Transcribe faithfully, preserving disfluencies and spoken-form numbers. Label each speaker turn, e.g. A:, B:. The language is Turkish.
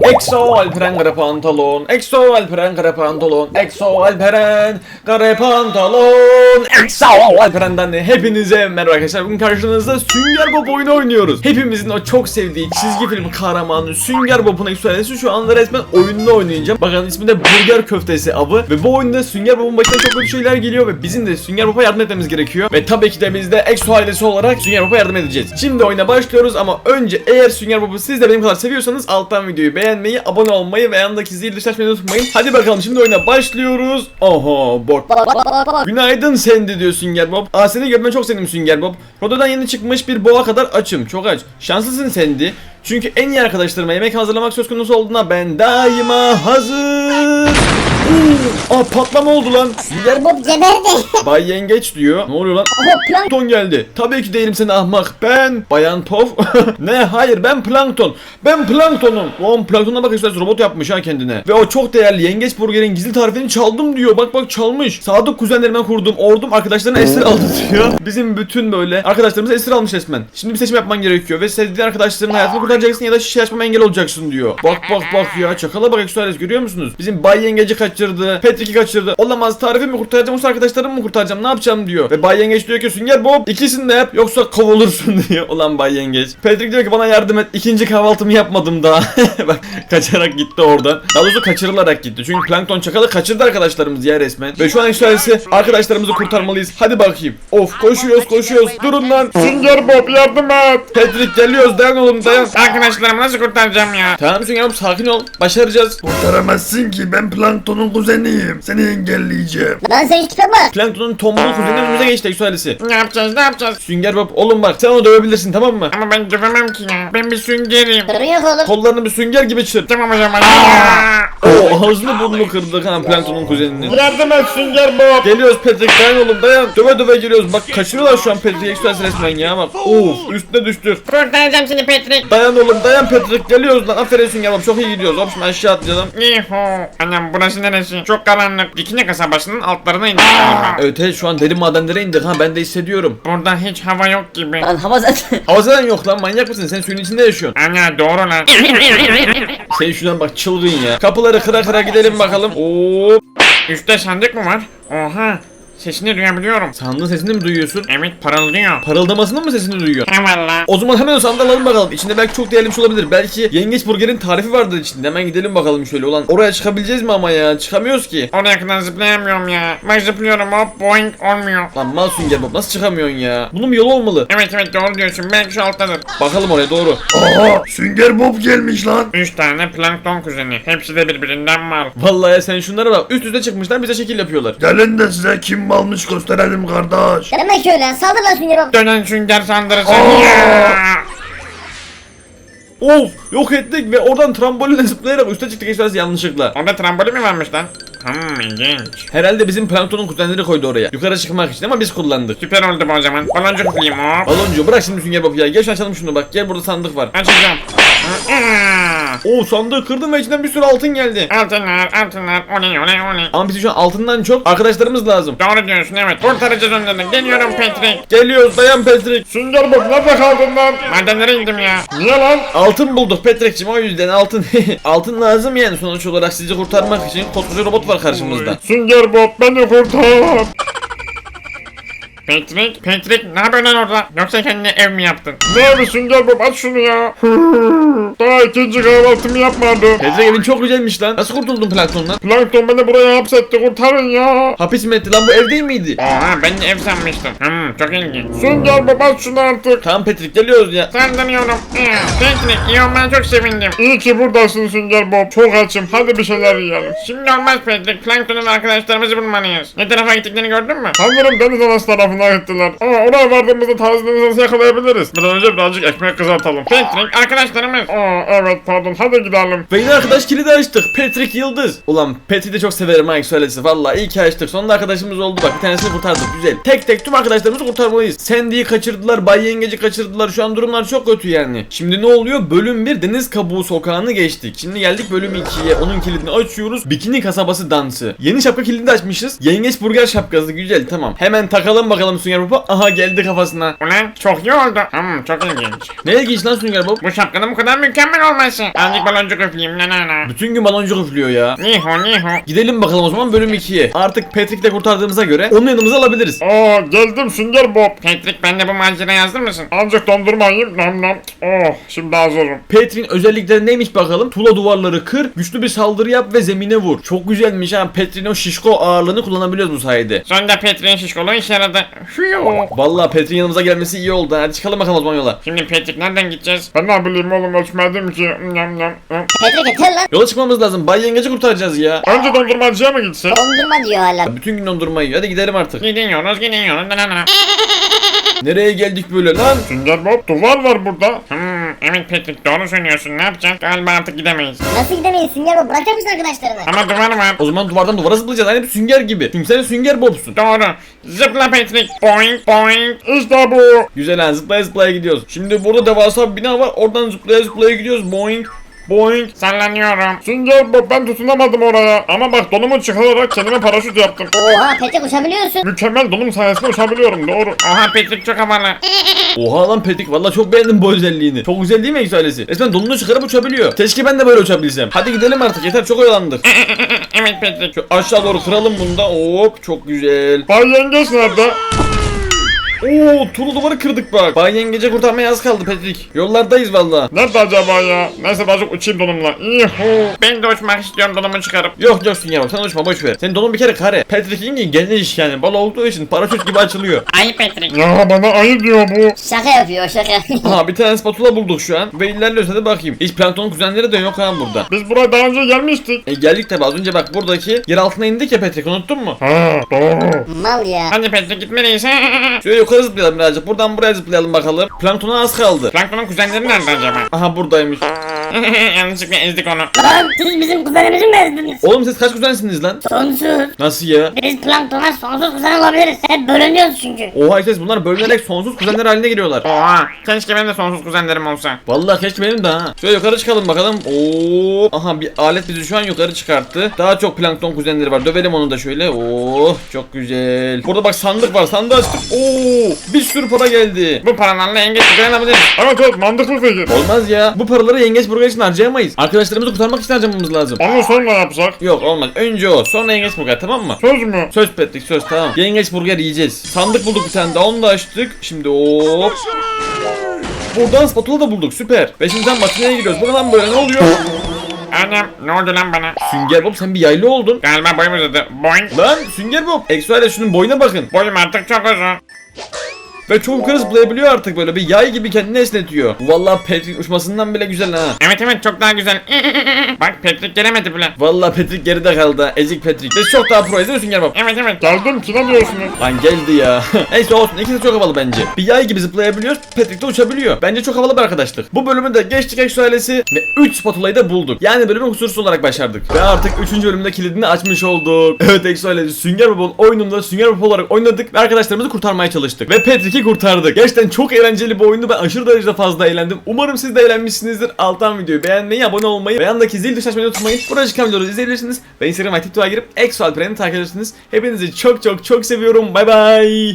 A: Exo Alperen kare pantolon, Exo Alperen kare pantolon, Exo Alperen kare pantolon, Exo Alperen'den de hepinize merhaba arkadaşlar. Bugün karşınızda Sünger Bob oyunu oynuyoruz. Hepimizin o çok sevdiği çizgi film kahramanı Sünger Bob'un ekstralesi şu anda resmen oyununu oynayacağım. Bakın ismi de Burger Köftesi avı ve bu oyunda Sünger Bob'un başına çok kötü şeyler geliyor ve bizim de Sünger Bob'a yardım etmemiz gerekiyor. Ve tabii ki de biz de Exo ailesi olarak Sünger Bob'a yardım edeceğiz. Şimdi oyuna başlıyoruz ama önce eğer Sünger Bob'u siz de benim kadar seviyorsanız alttan videoyu beğenmeyi, abone olmayı ve yanındaki zil dışarı açmayı unutmayın. Hadi bakalım şimdi oyuna başlıyoruz. Oho Bob. Günaydın Sandy diyor Sünger Bob. Aa seni görmeye çok sevindim Sünger Bob. Rodo'dan yeni çıkmış bir boğa kadar açım. Çok aç. Şanslısın Sandy. Çünkü en iyi arkadaşlarıma yemek hazırlamak söz konusu olduğunda ben daima hazır. Aa patlama oldu lan.
B: Sünger Bob geberdi.
A: Bay Yengeç diyor. Ne oluyor lan?
B: Ama plankton.
A: Plankton geldi. Tabii ki değilim seni ahmak. Ben Bayan Tof. Ne? Hayır ben Plankton. Ben Plankton'um. Oğlum Plankton'a bak işte robot yapmış ha kendine. Ve o çok değerli Yengeç Burger'in gizli tarifini çaldım diyor. Bak bak çalmış. Sadık kuzenlerime kurdum. Ordum arkadaşlarını esir aldı diyor. Bizim bütün böyle arkadaşlarımızı esir almış resmen. Şimdi bir seçim yapman gerekiyor ve sevdiğin arkadaşlarının hayatını kurtaracaksın ya da şişe açmama engel olacaksın diyor. Bak bak bak ya. Çakala bak ekstrales görüyor musunuz? Bizim Bay Yengeci kaçırdı. Patrick'i kaçırdı. Olamaz tarifi mi kurtaracağım yoksa arkadaşlarımı mı kurtaracağım ne yapacağım diyor. Ve Bay Yengeç diyor ki Sünger Bob ikisini de yap yoksa kovulursun diyor. Ulan Bay Yengeç. Patrick diyor ki bana yardım et. İkinci kahvaltımı yapmadım daha. Bak kaçarak gitti oradan. Daha doğrusu kaçırılarak gitti. Çünkü Plankton çakalı kaçırdı arkadaşlarımız ya resmen. Ve şu an ekstralesi arkadaşlarımızı kurtarmalıyız. Hadi bakayım. Of koşuyoruz koşuyoruz. Durun lan. Sünger Bob yardım et. Patrick geliyoruz dayan oğlum dayan.
C: Arkadaşlarımı nasıl kurtaracağım ya?
A: Tamam Sünger Bob sakin ol. Başaracağız.
D: Kurtaramazsın ki ben Plankton'un kuzeniyim. Seni engelleyeceğim.
B: Lan sen tipe bak.
A: Plankton'un tombul kuzeni önümüze geçti ekstralesi.
C: Ne yapacağız ne yapacağız?
A: Sünger Bob oğlum bak sen onu dövebilirsin tamam mı?
C: Ama ben dövemem ki ya. Ben bir süngerim.
B: Sorun yok oğlum.
A: Kollarını bir sünger gibi çır.
C: Tamam o zaman.
A: Oo ağzını burnunu kırdık ha Plankton'un kuzeninin.
C: Yardım et Sünger Bob.
A: Geliyoruz Patrick dayan oğlum dayan. Döve döve geliyoruz bak kaçırıyorlar şu an Patrick'i ekstralesi resmen ya bak. Of üstüne düştük.
C: Kurtaracağım seni Patrick.
A: Dayan oğlum dayan Patrick geliyoruz lan aferin Sünger Bob çok iyi gidiyoruz. Hop şimdi aşağı atlayalım.
C: Yuhu. Annem burası neresi? Çok karanlık. Dikine kasabasının altlarına indik galiba.
A: Evet evet şu an derin madenlere indik ha ben de hissediyorum.
C: Burada hiç hava yok gibi.
B: Lan hava zaten.
A: Hava zaten yok lan manyak mısın sen suyun içinde yaşıyorsun.
C: Anne doğru lan.
A: Sen şuradan bak çılgın ya. Kapıları kıra kıra gidelim bakalım. Oo.
C: Üstte sandık mı var? Oha. Sesini duyabiliyorum.
A: Sandığın sesini mi duyuyorsun?
C: Evet parıldıyor.
A: Parıldamasının mı sesini duyuyorsun?
C: Eyvallah.
A: O zaman hemen o sandığı alalım bakalım. İçinde belki çok değerli bir şey olabilir. Belki Yengeç Burger'in tarifi vardır içinde. Hemen gidelim bakalım şöyle. Ulan oraya çıkabileceğiz mi ama ya? Çıkamıyoruz ki.
C: Oraya kadar zıplayamıyorum ya. Ben zıplıyorum hop boing olmuyor.
A: Lan mal Sünger Bob nasıl çıkamıyorsun ya? Bunun bir yolu olmalı.
C: Evet evet doğru diyorsun. Belki şu alttadır.
A: Bakalım oraya doğru.
D: Aa Sünger Bob gelmiş lan.
C: Üç tane plankton kuzeni. Hepsi de birbirinden mal.
A: Vallahi ya sen şunlara bak. Üst üste çıkmışlar bize şekil yapıyorlar.
D: Gelin de size kim malmış gösterelim kardeş.
B: Demek öyle. Saldır lan Sünger Bob.
C: Dönen sünger sandırısı.
D: Aa!
C: Ya!
A: Of yok ettik ve oradan trambolinle zıplayarak üste çıktık ekstrası yanlışlıkla.
C: Orada trambolin mi varmış lan? Hmm ilginç.
A: Herhalde bizim Plankton'un kuzenleri koydu oraya. Yukarı çıkmak için ama biz kullandık.
C: Süper oldu bu o zaman. Baloncuk üfleyeyim hop.
A: Baloncu bırak şimdi Sünger Bob ya. Gel şu açalım şunu bak. Gel burada sandık var.
C: Açacağım.
A: Oo sandığı kırdım ve içinden bir sürü altın geldi.
C: Altınlar altınlar. Oley oley oley.
A: Ama bize şu an altından çok arkadaşlarımız lazım.
C: Doğru diyorsun evet. Kurtaracağız onları. Geliyorum Patrick.
A: Geliyoruz dayan Patrick.
D: Sünger Bob nerede kaldın lan?
C: Madenlere indim ya.
D: Niye lan?
A: Altın bulduk Patrick'cim o yüzden altın. Altın lazım yani sonuç olarak sizi kurtarmak için koskoca robot var karşımızda.
D: Sünger Bob beni kurtar.
C: Patrick, Patrick ne yapıyorsun lan orada? Yoksa kendine ev mi yaptın?
D: Ne abi Sünger Bob aç şunu ya. Daha ikinci kahvaltımı yapmadım.
A: Patrick evin çok güzelmiş lan. Nasıl kurtuldun Plankton'dan?
D: Plankton beni buraya hapsetti kurtarın ya.
A: Hapis mi etti lan bu ev değil miydi?
C: Oha ben de ev sanmıştım. Hmm çok ilginç.
D: Sünger Bob aç şunu artık.
A: Tamam Patrick geliyoruz ya.
C: Sandırıyorum. Ya, Patrick iyi olmana çok sevindim.
D: İyi ki buradasın Sünger Bob. Çok açım. Hadi bir şeyler yiyelim.
C: Şimdi olmaz Patrick. Plankton'un arkadaşlarımızı bulmalıyız. Ne tarafa gittiklerini gördün mü?
D: Sanırım deniz anası tarafına gittiler. Ama oraya vardığımızda taze deniz anası yakalayabiliriz. Bir an önce birazcık ekmek kızartalım.
C: Patrick arkadaşlarımız.
D: Aa evet pardon hadi gidelim.
A: Ve yine arkadaş kilidi açtık. Patrick Yıldız. Ulan Patrick'i de çok severim ha söylesi. Vallahi iyi ki açtık. Sonunda arkadaşımız oldu bak. Bir tanesini kurtardık. Güzel. Tek tek tüm arkadaşlarımızı kurtarmalıyız. Sandy'yi kaçırdılar. Bay Yengeci kaçırdılar. Şu an durumlar çok kötü yani. Şimdi ne oluyor? Bölüm bir Deniz Kabuğu Sokağı'nı geçtik. Şimdi geldik bölüm ikiye. Onun kilidini açıyoruz. Bikini Kasabası dansı. Yeni şapka kilidi açmışız. Yengeç burger şapkası. Güzel tamam. Hemen takalım bakalım Sünger Bob'a. Aha geldi kafasına.
C: Ulan çok iyi oldu. Hmm çok ilginç.
A: Ne ilginç lan Sünger Bob?
C: Bu şapkanın bu kadar mükemmel olması. Azıcık baloncuk üfleyeyim la la la.
A: Bütün gün baloncuk üflüyor ya.
C: Niho niho.
A: Gidelim bakalım o zaman bölüm ikiye. Artık Patrick'i de kurtardığımıza göre onu yanımıza alabiliriz.
D: Aa geldim Sünger Bob.
C: Patrick ben de bu maceraya yazdır mısın?
D: Azıcık dondurma yiyeyim. Nam nam. Oh şimdi hazırım.
A: Patrick'in özellikleri neymiş bakalım? Tuğla duvarları kır, güçlü bir saldırı yap ve zemine vur. Çok güzelmiş ha. Patrick'in o şişko ağırlığını kullanabiliyoruz bu sayede.
C: Sonunda Patrick'in şişkoluğu işe yaradı. Hüyo.
A: Vallahi Patrick'in yanımıza gelmesi iyi oldu. Hadi çıkalım bakalım o zaman yola.
C: Şimdi Patrick nereden gideceğiz?
D: Ben ne bileyim oğlum ölçmedim ki. Nam nam. nam.
B: Patrick yeter lan.
A: Yola çıkmamız lazım. Bay Yengeci kurtaracağız ya.
D: Önce dondurmacıya mı gitsek?
B: Dondurma diyor hala.
A: Bütün gün dondurma yiyor. Hadi gidelim artık.
C: Gidiyoruz gidiyoruz. La la la.
A: Nereye geldik böyle lan?
D: Sünger Bob duvar var burada.
C: Hmm, evet Patrick doğru söylüyorsun. Ne yapacağız? Galiba artık gidemeyiz.
B: Nasıl gidemeyiz Sünger Bob? Bırakacak mısın arkadaşlarını?
C: Ama duvar var.
A: O zaman duvardan duvara zıplayacağız. Hani bir sünger gibi. Çünkü sen sünger bobsun.
C: Doğru. Zıpla Patrick. Boing boing.
D: İşte bu.
A: Güzel ha, zıplaya zıplaya gidiyoruz. Şimdi burada devasa bir bina var. Oradan zıplaya zıplaya gidiyoruz. Boing. Boing.
C: Sallanıyorum.
D: Sünger Bob ben tutunamadım oraya. Ama bak donumu çıkararak kendime paraşüt yaptım.
B: Oha Patrick uçabiliyorsun.
D: Mükemmel donum sayesinde uçabiliyorum doğru.
C: Oha Patrick çok havalı.
A: Oha lan Patrick, valla çok beğendim bu özelliğini. Çok güzel değil mi Exoalesi? Resmen donunu çıkarıp uçabiliyor. Keşke ben de böyle uçabilsem. Hadi gidelim artık, yeter çok oyalandık.
C: Evet Patrick.
A: Şu aşağı doğru kıralım bunu da. Hop, çok güzel.
D: Bay Yengeç nerede?
A: Oo, tuğla duvarı kırdık bak. Bay Yengece kurtarmaya az kaldı Patrick. Yollardayız valla.
D: Nerede acaba ya? Neyse birazcık uçayım donumla. Yuhu.
C: Ben de uçmak istiyorum donumu çıkarıp.
A: Yok yok Sünger bak, sen uçma, boş ver. Senin donun bir kere kare. Patrick'in geniş yani. Bal olduğu için paraşüt gibi açılıyor.
C: Ay Patrick.
D: Ya bana ayı diyor bu.
B: Şaka yapıyor şaka.
A: Aha, bir tane spatula bulduk şu an. Ve ilerliyoruz, hadi bakayım. Hiç plankton kuzenleri de yok ha burada.
D: Biz buraya daha önce gelmiştik.
A: E geldik tabi, az önce bak buradaki yer altına indik ya Patrick, unuttun mu?
D: Ha doğru.
B: Mal ya.
C: Hadi Patrick gitmeliyiz.
A: Şöyle yukarı zıplayalım birazcık. Buradan buraya zıplayalım bakalım. Planktona az kaldı.
C: Plankton'un kuzenleri nerede acaba?
A: Aha, buradaymış.
C: Yanlışlıkla ezdik onu.
B: Lan siz bizim kuzenimizi mi ezdiniz?
A: Oğlum siz kaç kuzensiniz lan?
B: Sonsuz.
A: Nasıl ya?
B: Biz planktona sonsuz kuzen olabiliriz. Hep bölünüyoruz çünkü.
A: Oha işte, bunlar bölünerek sonsuz kuzenler haline geliyorlar.
C: Oha. Keşke benim de sonsuz kuzenlerim olsa.
A: Vallahi keşke benim de ha. Şöyle yukarı çıkalım bakalım. Oo, aha bir alet bizi şu an yukarı çıkarttı. Daha çok plankton kuzenleri var. Dövelim onu da şöyle. Oo, çok güzel. Burada bak sandık var. Sandığı açtık. Oo, bir sürü para geldi.
C: Bu paralarla yengeç kuzen alabiliriz.
D: Evet evet mantıklı fikir.
A: Olmaz ya. Bu paraları yengeç burger için harcayamayız. Arkadaşlarımızı kurtarmak için harcamamız lazım.
D: Onu sonra yapsak.
A: Yok olmaz. Önce o. Sonra yengeç burger, tamam mı?
D: Söz mü?
A: Söz Patrick, söz, tamam. Yengeç burger yiyeceğiz. Sandık bulduk bir tane daha, onu da açtık. Şimdi hop. Buradan spatula da bulduk, süper. Ve şimdi sen makineye giriyoruz. Bu ne lan böyle, ne oluyor?
C: Annem ne oldu lan bana?
A: Sünger Bob, sen bir yaylı oldun.
C: Galiba boyum uzadı. Boing.
A: Lan Sünger Bob. Exoale şunun boyuna bakın.
C: Boyum artık çok uzun.
A: Ve çok yukarı zıplayabiliyor artık, böyle bir yay gibi kendini esnetiyor. Vallahi Patrick uçmasından bile güzel ha.
C: Evet evet çok daha güzel. Bak Patrick gelemedi bile.
A: Vallahi Patrick geride kaldı ha. Ezik Patrick. Biz çok daha proyuz değil mi Sünger Bob?
C: Evet evet.
D: Geldim ki ne diyorsunuz?
A: Lan geldi ya. Neyse olsun, ikisi de çok havalı bence. Bir yay gibi zıplayabiliyoruz, Patrick de uçabiliyor. Bence çok havalı bir arkadaşlık. Bu bölümü de geçtik Exo ailesi ve üç spatulayı da bulduk. Yani bölümü kusursuz olarak başardık. Ve artık üçüncü bölümde kilidini açmış olduk. Evet Exo ailesi, Sünger Bob'un oyununda Sünger Bob olarak oynadık ve arkadaşlarımızı kurtarmaya çalıştık. Ve Patrick'i kurtardık. Gerçekten çok eğlenceli bir oyundu. Ben aşırı derecede fazla eğlendim. Umarım siz de eğlenmişsinizdir. Alttan videoyu beğenmeyi, abone olmayı ve yandaki zil tuşuna açmayı unutmayın. Burada çıkan videoları izleyebilirsiniz. Ve Instagram ve TikTok'a girip Exo Alperen'i takip edersiniz. Hepinizi çok çok çok seviyorum. Bay bay.